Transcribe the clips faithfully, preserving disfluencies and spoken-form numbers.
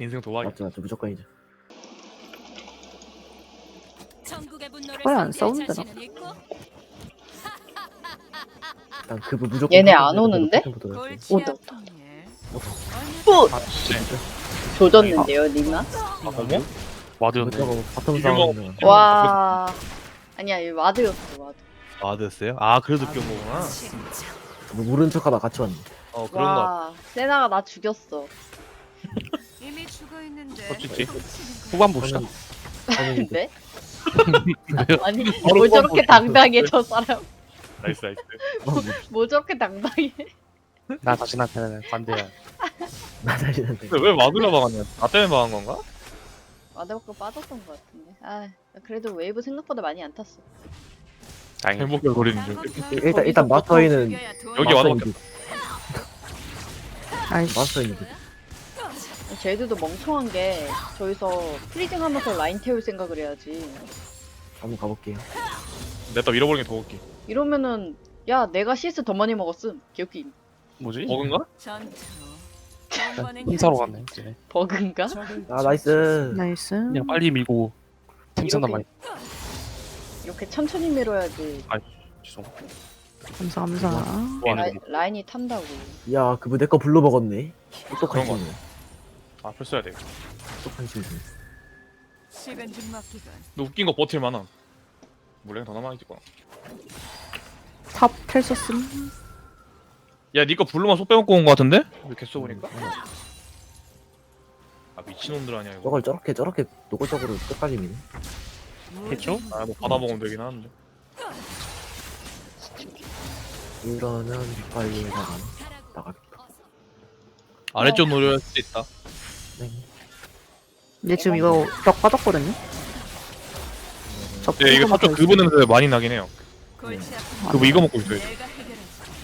인생 도박이. 맞죠, 맞죠. 무조건이죠. 왜 안 싸운다 나? 일단 그부 무조건. 얘네 안 패턴 오는데? 패턴 보도록 할게요. 오다. 어, 또 아, 진짜. 조졌는데요, 니나? 아, 어머? 와드였네. 와드였네. 바텀 이걸 싸움. 와. 아니야, 이 와드였어, 와드. 와드였어요? 아, 그래서 껴온 거구나. 뭐 모르는 척하다 같이 왔네. 어, 그런 거. 와, 세나가 나 죽였어. 이미 죽어 있는데. 솔직히. 후반 봅시다. 저는 이제 근데? 아니, 뭐 저렇게 당당해, 저 사람. 나이스, 나이스. 어, 뭐, 뭐 저렇게 당당해. 나 자신한테는 반대야. 나 자신한테. 근데 왜 와드가 막았냐? 나 때문에 막은 건가? 와드 먹고 빠졌던 것 같은데. 아, 그래도 웨이브 생각보다 많이 안 탔어. 다행이다. 행복을 노리는 중. 일단 일단 마스터이는 여기 와드밖에 아이씨. 마스터이는 쟤들도 멍청한 게 저기서 프리징 하면서 라인 태울 생각을 해야지. 한번 가볼게요. 냈다 밀어버리는 게 더 웃기. 이러면은 야 내가 씨에스 더 많이 먹었음. 기억이 뭐지? 버그인가? 힘사로 갔네. 이제. 버그인가? 아 나이스. 나이스. 그냥 빨리 밀고 템선단 이렇게- 많이. 이렇게 천천히 밀어야지. 죄송. 감사 감사. 와, 라인, 라인이 탄다고. 야 그부 내거 불러 먹었네. 똑똑한 그런 거 친구. 아, 풀 써야 돼. 똑똑한 친구. 시간 좀 맡기건. 근데 웃긴 거 버틸 만함. 물량 더 남아있겠구나. 탑 텔서스. 야, 니거 블루만 쏙 빼먹고 온 거 같은데? 이렇게 써보니까? 아, 미친놈들 아니야, 이거. 저걸 저렇게 저렇게 노골적으로 끝까지 미네. 했죠? 아, 뭐 받아먹으면 되긴 하는데. 이러면 빨리 나가 나가겠다. 아래쪽 노려할 수도 있다. 네. 얘 지금 이거 벽 빠졌거든요. 저 네, 이거 살짝 그분 냄새 많이 나긴 해요. 골치 아픈 그거 뭐 이거 먹고 있어요. 내가 해결해.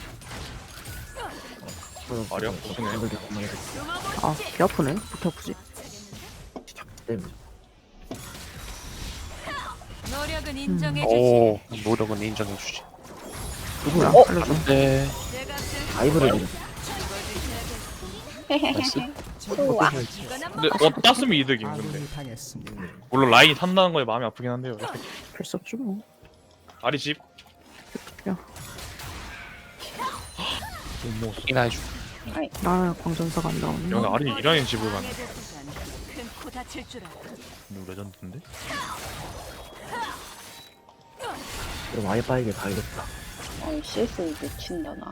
아리야? 보시네. 아, 개 아프네. 부터 아프지. 때문에. 노력은 인정해 주지. 오, 노력은 인정해주지. 누구야? 어? 알려줘. 네. 내가 쓸 아이브를 밀어. 나이스. 우와. 근데 어 땄으면 이득임 근데. 물론 라인이 탄다는 거에 마음이 아프긴 한데요. 필수 없지 뭐. 아리 집. 야. 못 먹었어. 이나 해줘. 나 광전사가 안 나오네. 여기 아리 이라인 집을 가네. 큰코 다칠 줄 알아. 이거 레전드인데? 그럼 와이파이게 가야겠다. 아이 씨에스 놓친다 나.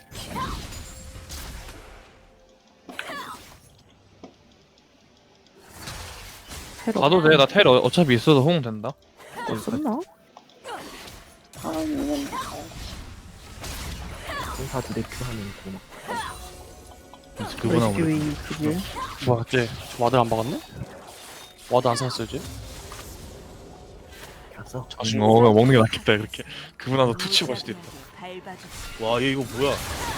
테러. 가도 돼. 나 텔 어- 어차피 있어서 호응 된다. 썼나? 아 이건 공사 두 대 큐하면 고막. 그분하고 그래. 레스큐이 그게. 뭐야, 쟤 와드 안 박았네? 와드 안 샀어요, 쟤? 갔어. 자신 어, 그냥 먹는 게 낫겠다 이렇게. 그분하고 투치 볼 수도 있다. 밟아줘. 와, 얘 이거 뭐야?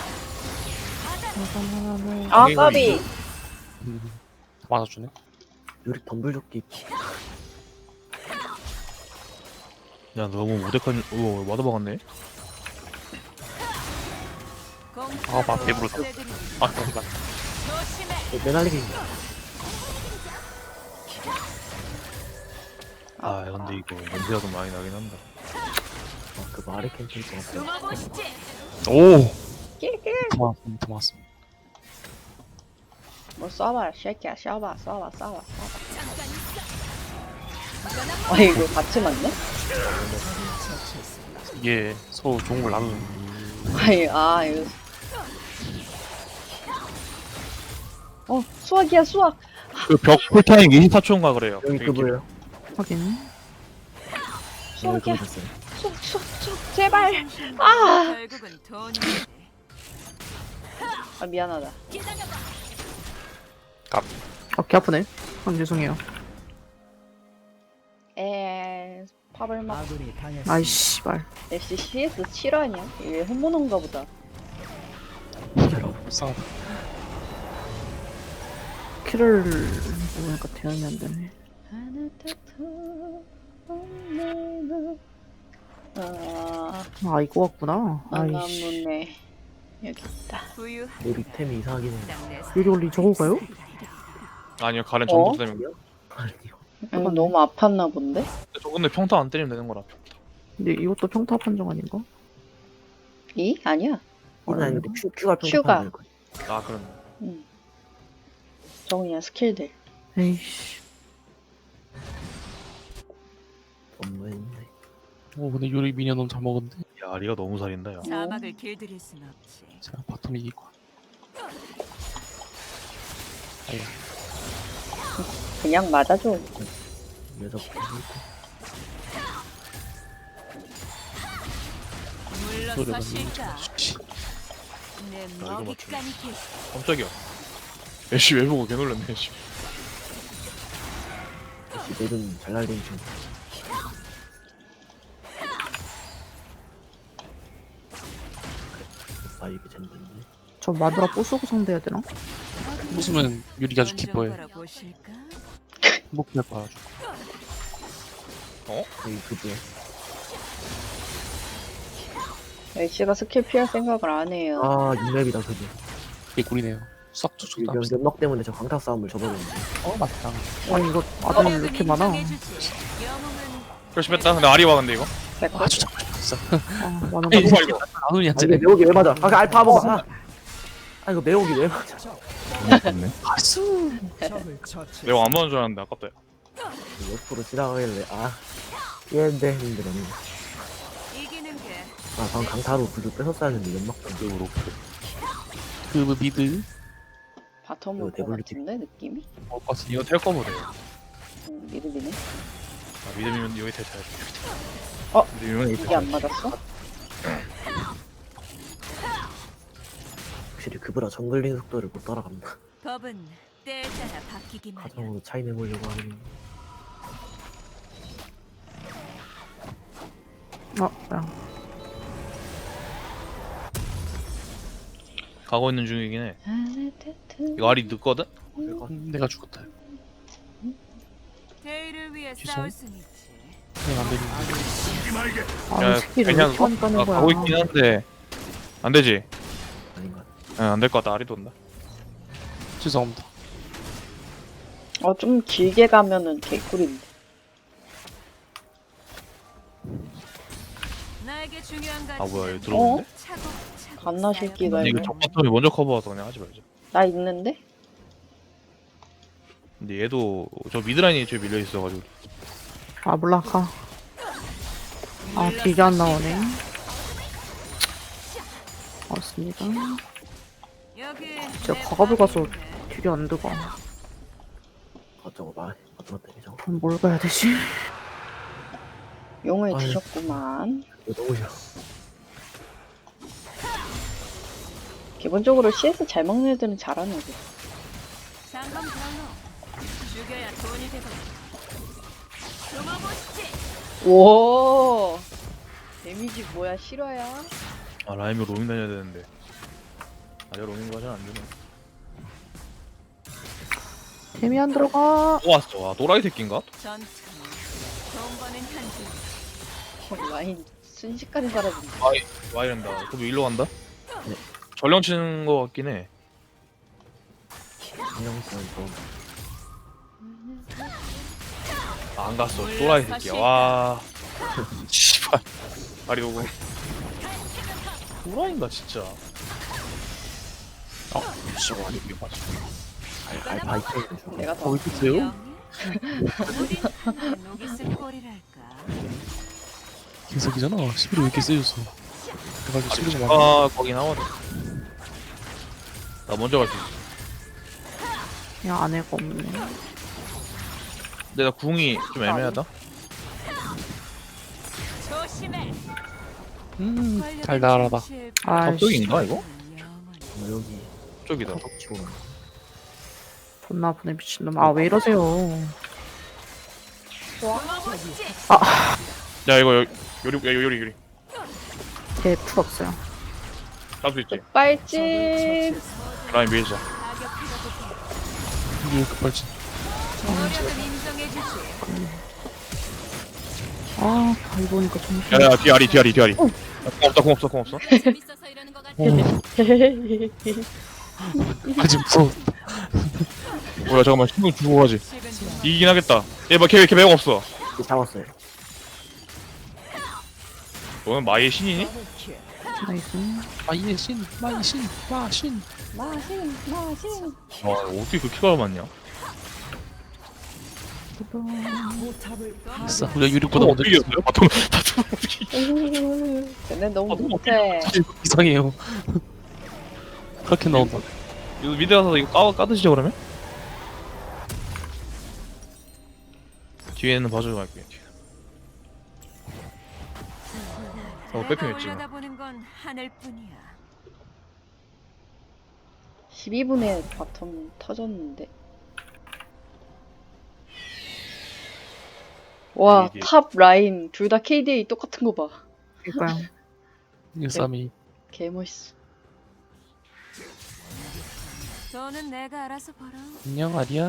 아 이거 까비. 맞아주네. 요리 덤블조끼. 야, 너무 무대칸. 오, 와드 박았네. 아, 막 배부르다. 아, 잠깐. 조심해. 매날리기. 아, 근데 이거 냄새가 좀 많이 나긴 한다. 아, 그 마리 캠핑 거 같아. 숨어보시지. 오! 낄낄. 더 왔어, 더 왔어. 뭐 쏴봐 쉐이키야 쏴봐 쏴봐 쏴봐 쏴봐. 아 이거 같이 맞네? 이게 서로 좋은 걸 나누는. 아이 아 이거. 어 수학이야 수학. 그 벽 쿨타임 이십사 초인가 그래요. 여기 되게 그거예요. 확인. 여기 수학이야 그거 됐어요. 수학 수학 수학 제발. 아. 결국은 돈이. 아 미안하다. 아, 개 아프네. 아, 죄송해요. 에 팝을 막. 아이씨, 말. 역시 씨에스 칠 아니야? 이게 혼모노인가 보다. 불쌍하다. 키를 보니까 대응이 안 되네. 아, 아, 이거 같구나. 아이씨. 아나무네 여기 있다. 부유. 요리 템이 이상하긴 해. 내 요리 원리 저거 가요? 아니요 가렌 어? 전투 때문에. 아니요. 음, 너무 아팠나 본데? 저 근데 평타 안 때리면 되는 거라. 근데 이것도 평타 판정 아닌가? 이? 아니야. 이건 아닌데 큐, 큐가 큐가. 평가될 거야. 아 그럼. 응. 저 그냥 스킬들. 에이씨. 너무했네. 오 근데 요리 미니언 너무 잘 먹었는데. 야 리가 너무 살인다 야. 자막을 길들일 순 없지. 제가 바텀 이기고. 아야. 그냥 맞아줘. 여자 보고 물러서 실까. 씨. 내 이거 맞추네. 먹잇감이 길. 깜짝이야. 애쉬 왜 보고 개놀랐네 애쉬. 역시 내든 잘 날리는 친구. 아 이게 젠든데. 저 마누라 부수고 상대해야 되나? 웃으면 요리가 아주 좀 기뻐해. 걸어보실까? 행복해 봐가지고. 여기 그게 엘씨가 스킬 피할 생각을 안 해요. 아 이맵이다 그게. 개꿀이네요. 싹 툭툭 연, 연막 때문에 저 강타 싸움을 져버렸는데. 어 맞다. 아니 이거 아들 왜 이렇게 많아? 인정해주지. 영웅은 그렇지 뺐다. 근데 아리와 근데 이거. 백골? 아주 잘 맞았어. 아 많은 이거 거. 봐 이거. 나눈이 아 한 이게 째. 매혹이 왜 맞아? 아 그 알파 한번 봐. 아 이거 매혹이 왜 맞아? 아수. 내가 안 맞는 줄 알았는데 아깝다. 야. 옆으로 지나가길래 아 얘인데 했는데 너무. 이기는 게 아 방금 강타로 구두 뺏었어야 했는데 연막 으로. 그 미드 바텀 이거 올것 데블리티. 같은데 느낌이? 먹을 것 같은데. 이거 텔 거보래요. 음, 미드비네. 아 믿음이면 여기 텔 쳐야 돼. 어? 믿음이면 여기 텔 이게 쳐야 안 돼. 맞았어? 확실히 그보다 정글링 속도를 못 따라간다. 법은 때에 따라 바뀌기만 해. 가정으로 차이 내보려고 하는. 아, 야. 가고 있는 중이긴 해. 이거 알이 늦거든? 음, 내가 죽었다. 대의를 위해 죄송. 싸울 순 있지. 그냥 안 되는데. 아, 야, 스킬을 왜 그냥 이렇게 많이 까는 아, 거야? 가고 있긴 한데 안 되지. 아닌가? 안 될 것 같다. 알이 돈다. 죄송합니다. 어, 좀 길게 가면은 개꿀인데. 나에게 중요한 가치. 아 뭐야 이거 들어오는데? 차곡차곡 갓나 새끼가 근데 이거. 이거 적바텀이 먼저 커버와서 그냥 하지 말자. 나 있는데? 근데 얘도 저 미드라인이 저 밀려 있어가지고. 아 몰라 가. 아 딜이 안 나오네. 맞습니다. 여기 제가 내 과거를 가서 방인데. 딜이 안 들어가. 어쩌고 말 어쩌고 때리죠. 그럼 뭘 가야 되지? 용을 아유. 드셨구만. 이거 너무 싫어. 기본적으로 씨에스 잘 먹는 애들은 잘하는 애들. 상금 경로. 죽여야 돈이 되거든. 숨어보시지. 오. 데미지 뭐야 실화야? 아 라임이 로밍 다녀야 되는데. 아니야 로밍 과전 안 되네. 템이 안 들어가. 또 왔어. 와 또라이 새끼인가? 전투는 돈 버는 한줄. 어, 라인 순식간에 사라진다. 와 이런다. 그럼 일로 간다? 네. 전령 치는 거 같긴 해. 신경쓰는 좀. 아, 안 갔어. 또라이 새끼야. 와. 씨발. 아리 오고. 또라이인가 진짜. 아, 진짜 아니 이게 맞아. 알, 알파 이태는 중. 내가 더. 어 있어요? 우린 하늘 녹이 쓴 꼴이랄까. 개석이잖아. 십일이 왜 이렇게 세졌어? 그래가지고 십일이 막. 아 거기 나와도. 나 먼저 갈 수 있어. 그냥 아내가 없네. 근데 나 궁이 좀 애매하다. 조심해. 음 달달하다. 아, 갑자기인가 이거? 어, 여기 쪽이다. 타석 치고. 존나 아프네 미친놈. 아 왜 이러세요? 숨어보시지. 야 이거 요- 요리 야, 요리 요리. 걔풀 없어요. 잡을 수 있지. 빨집. 라인 밀자. 가격 필요도 이게 왜 급발진? 노력은 인정해주지. 아 다이 보니까 정신. 야야 뒤아리 뒤아리 뒤아리. 공 없다 공 없어 공 없어. 재밌어서 이러는 거 같아. 어, 아직 무서워. 뭐야 잠깐만 신경 주고 가지. 이기긴 하겠다. 얘막걔걔 매력 없어. 이제 잡았어요. 너는 마이의 신이니? 나이스. 마이의 신, 마이 신, 마신. 마신 마신. 와 어떻게 그렇게 가만냐? 아싸, 우리가 유리보다 먼저 어떻게 이겼어요? 바텀 바텀 어떻게 이겼어? 쟤네 너무 아, 너무 못해. 이상해요. 그렇게 나온다. 이거 미드 가서 이거 까, 까드시죠 그러면? 뒤에는 봐주고 갈게요. 뒤에. 어 백핑했지. 올려다보는 건 하늘뿐이야. 십이 분에 바텀 터졌는데. 와, 이게- 탑 라인 둘 다 케이디에이 똑같은 거 봐. 그니까요. 일삼이. 개 멋있어. 돈은 내가 알아서 벌어. 안녕, 아리야.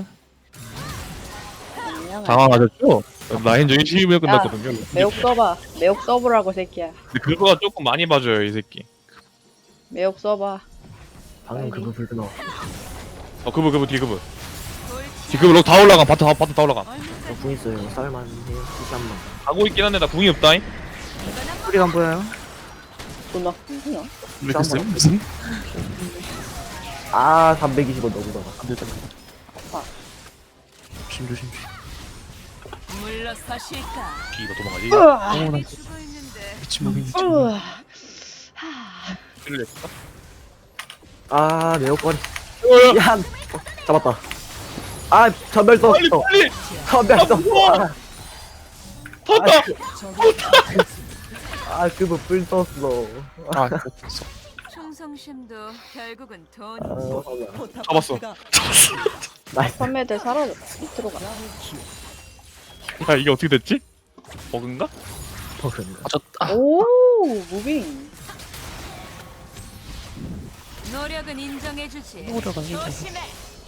그냥 당황하셨죠? 라인적인 십이 분 끝났거든요. 매혹 써봐. 매혹 써보라고 새끼야. 근데 그거가 조금 많이 봐줘요 이 새끼. 매혹 써봐. 방금 그거 불도 나왔어. 어 그브 그브 뒤 그브. 뒤 그브 럭다 올라가 바트 다 바트 다 올라가. 궁 있어요. 쌀만 해요. 다시 한 번. 가고 있긴 한데 나 궁이 없다잉. 소리가 안 보여요? 존나 궁이야. 왜 됐어요? 무슨? 아 삼백이십원 너무다가. 안 되다. 아파. 조심, 조심, 조심. 물러서실까? 뒤가 도망가지. 으아. 어, 나 죽어 있는데. 미친놈이 미친놈. 으아. 를 냈다. 아 매혹거리. 어야. 야 어, 잡았다. 아 전멸 썼어. 빨리 빨리. 전멸 썼어. 아, 탔다. 아 그거 불 썼어. 아, 됐어. 충성심도 결국은 아, 돈. 잡았어. 나이스. 판매들 사라졌다. 밑으로 가. 야 이게 어떻게 됐지? 버그인가? 버그인가? 아, 저, 아, 오, 무빙. 노력은 인정해주지. 노력은 인정. 조심해.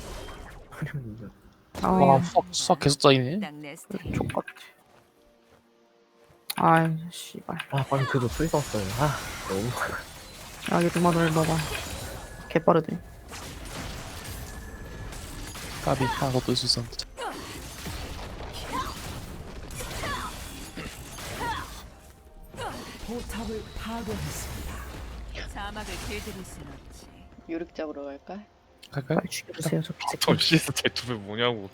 아, 와, 예. 수학, 수학 계속 쌓이네. 딱내 스타일. 족같지. 아이, 씨발. 아 방금 그거 불 썼어요. 아 너무. 야, 얘 누마 널 봐봐. 개빠르네. 까비, 아, 너도 있을 수 있었는데. 사막을 길들일 순 없지. 유력 잡으러 갈까? 갈까요? 빨리 죽여주세요, 저 저 새끼. 씨에스 대투배 뭐냐고.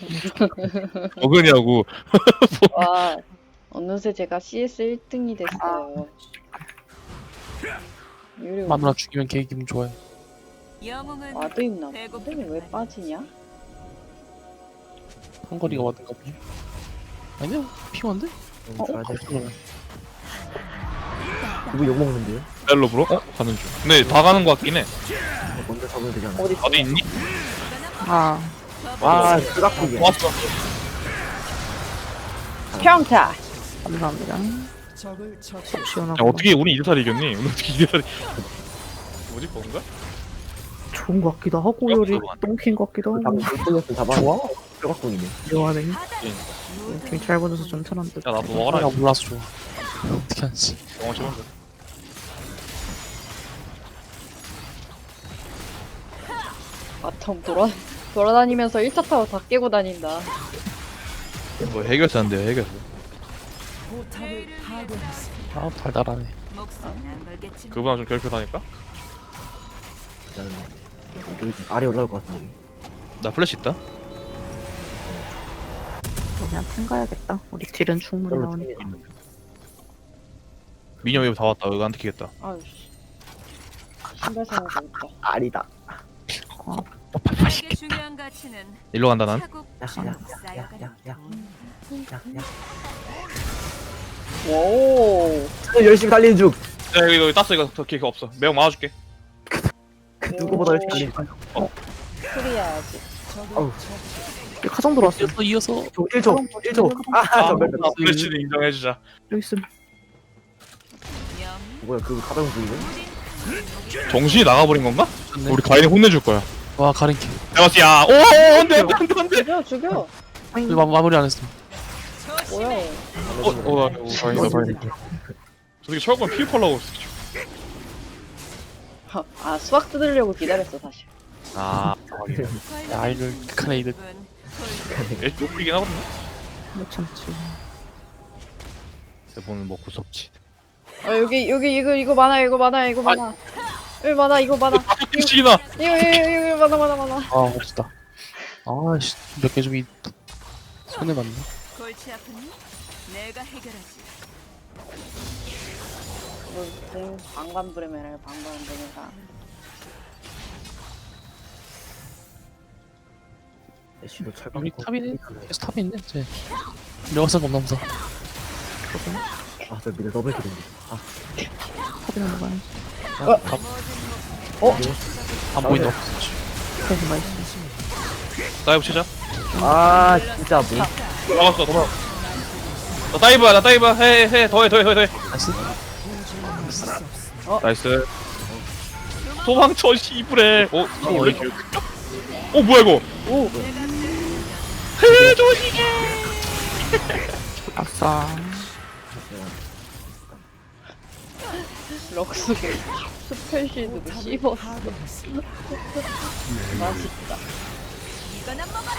버그냐고. 와, 어느새 제가 씨에스 일 등이 됐어요. 유력 마누라 죽이면 걔 기분 좋아요. 영웅은 와도 있나? 배고프기만 근데 왜 하지. 빠지냐? 한거리가 왔는가 보네. 아니야, 피곤한데? 어? 줘야 돼. 그러네. 그거 욕 먹는데요? 멜로브로? 어? 가는 중. 근데 다 가는 거 같긴 해. 먼저 잡으면 되잖아. 어디 어디 있니? 아, 와 쓰각국이야. 왔어. 평타! 감사합니다. 속 야 시원하고. 어떻게 우리 이 대 사를 이겼니? 오늘 어떻게 이 대 사를 뭐지 버그인가? 좋은 것 같기도 하고, 어, 요리 그거 똥킨 것 같기도 방금 하고. 불똥이었으면 잡아. 좋아? 쓰각국이네. 묘하네. 예. 되게 잘 보내서 전천한 듯. 야 나도 아, 먹어라. 몰라서 좋아. 어떻게 하지? 영어 치면 돼. 바텀 돌아, 돌아다니면서 일 차 타워 다 깨고 다닌다. 뭐 해결사 안 돼요 해결사. 아, 달달하네. 목숨 안 걸겠지. 그보다 좀 괴롭혀다니까? 나는 여기 아래 올라올 것 같은데. 나 플래시 있다. 그냥 탱 가야겠다. 우리 딜은 충분히 별로 나오니까. 재미없네. 미녀 웨이브 다 왔다. 이거 안 티키겠다. 아유, 씨. 신발 사야 되겠다. 아리다. 이게 중요한 가치는 일로 간다 난. 차곡차곡 쌓여가는 야야야야야야. 돈. 오, 열심히 달리는 중. 야 이거 이거 땄어 이거 더 기회가 없어. 매우 막아줄게. 그 누구보다 열심히 달리는 중. 풀이야지. 어우. 여기 가정 들어왔어. 이어서, 이어서. 저 일 초. 일 초. 아 아, 전멸. 나 플래시를 인정해주자. 여기 있음. 영. 뭐야 그거 가방 부위네? 정신이 나가버린 건가? 좋네. 우리 가인이 혼내줄 거야. 와, 가린키. 내가 야, 오, 안돼, 안돼, 안돼, 안돼. 죽여, 죽여. 아니, 우리 마, 마무리 안 했어. 뭐야? 어, 어, 나, 오, 다행이다, 다행이다. 저 새끼 철권 피우 팔라고 했어. 아, 수학 뜯으려고 기다렸어, 사실. 아 야, 이거 극한의 이득. 일 높이긴 하거든요. 못 참지. 대본은 뭐 구섭지. 아 여기 여기 이거 이거 많아 이거 많아 이거 많아. 이거 많아 이거 많아. 시기나. 이거 이거 이거 이거 많아 많아 많아. 아, 멋있다. 아씨, 몇 개 좀 이 손해 봤네. 골치 아프니? 내가 해결하지. 뭐 방관부레메라 방관부레메라. 애쉬도 철강. 우리 탑이네. 계속 탑이 있네. 쟤. 명성 겁나 무서. 아, 저 미드 더블 킬인데. 아, 탑이나 먹어야지. 어? 안 보인다. 계속 맛있어. 다이브 치자. 아, 진짜 뭐. 막았어. 도망. 나 다이브야 나 다이브 해해 더해 더해 더해 더해. 나이스. 나이스. 도망쳐 씨부레. 어? 이거 원래 기억. 어 뭐야 이거? 오. 해줘시게. 아싸. 럭스 스펠시드도 씹었어. 맛있다. 이거나 먹어라.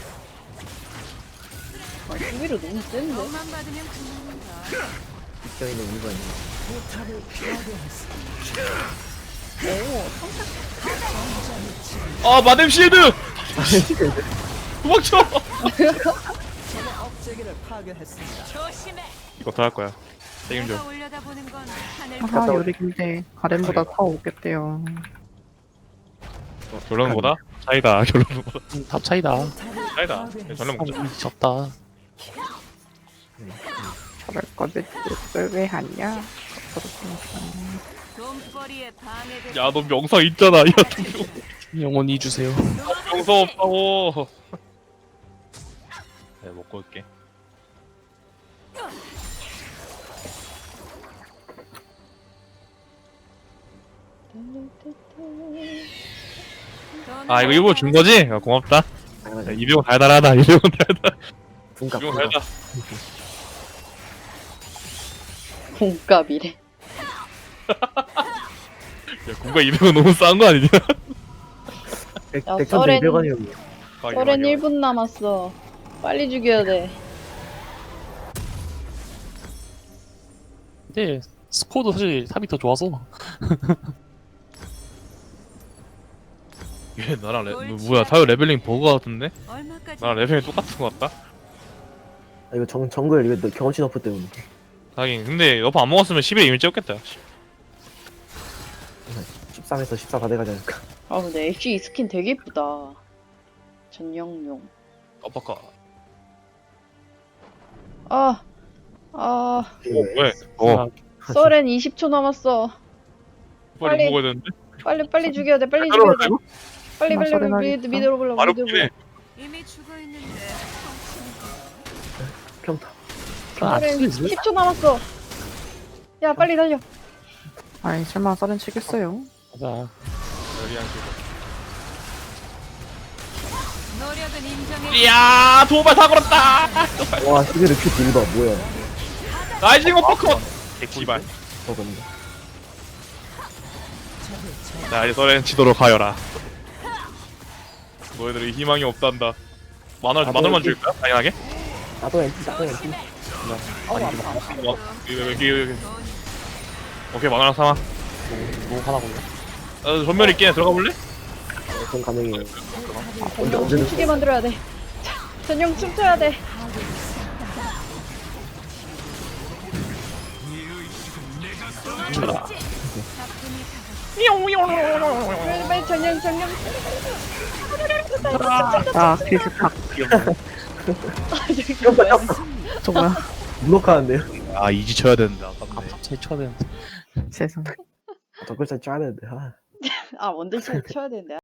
아 수비로 너무 센데? 너만 받으면 그만인가. 입장 있는 이유가 있네. 오 아 마뎀 실드. 도망쳐. 조심해. 이거 더 할 거야. 책임져. 내가 올려다보는 건 하늘. 아하, 요리긴데 가렘보다 더 오겠대요. 결론보다 차이다. 결론보다 음, 탑 차이다. 차이다. 결론 아, 보자. 우리 졌다. 저럴 거를 왜 하냐? 돈벌이에 방해돼. 야 너 명사 있잖아. 야 영원히 주세요. 명사 없다고. 네 먹고 올게. 아 이거 일부러 준 거지? 야, 고맙다. 야, 당연하죠. 이병 달달하다. 이병 달달. 분값. 이병 분값. 달달. 공값이래. 야 군가 이병은 너무 싼 거 아니냐? 백- 야, 백천대 썰엔- 이백 원이요. 서렌 일 분 남았어. 빨리 죽여야 돼. 근데 스코어도 사실 탑이 더 좋아서. 얘 나랑 레, 뭐, 뭐야 타요 레벨링 버그 같은데? 얼마까지? 나랑 레벨링 똑같은 거 같다? 아, 이거 정, 정글 이거 너- 경험치 너프 때문에. 하긴 근데 너프 안 먹었으면 십일에 이미 찍었겠다. 십삼에서 십사 다 돼가지 않을까. 아 근데 애쉬 이 스킨 되게 이쁘다. 전용용. 아빠까. 아, 아, 어 왜? 어 서렌 이십 초 남았어. 빨리 빨리. 먹어야 되는데? 빨리 빨리 죽여야 돼. 빨리 따로 죽여야 돼. 말고? 빨리 나 빨리 서렌 미드 하겠다. 미드로 불러. 바로 미드로 끼네. 불러. 이미 죽어 있는데. 평타. 아, 서렌 십 초 남았어. 야 빨리 달려. 아이, 설마 썰은 치겠어요? 맞아. 여리한 식으로. 노력은 인정해. 이야 도발 다 걸었다. 와, 시계를 큐 딜봐. 뭐야. 라이징 어퍼컷. 씨발. 저건데. 자 이제 서렌 치도록 하여라. 너희들이 희망이 없단다. 만원 아, 만원만 뭐, 줄까? 당연하게. 나도 엔티, 나도 엔티. 와, 여기 여기 여기. 오케이 만원 삼아. 너무 화나 보네. 어, 전멸 있게 들어가 볼래? 전 가능해요. 전용 언제는- 춤추게 만들어야 돼. 자, 전용 춤춰야 돼. 쳐라. 빨리 빨리 전용 전용. 아, 비스탁. 저 뭐야? 블록하는데요? 아 이지 쳐야 된다. 탑 차이 쳐야 되는데. 세상. 덧글자 짜야 되는데. 아. 아 원딜 쳐야 되는데.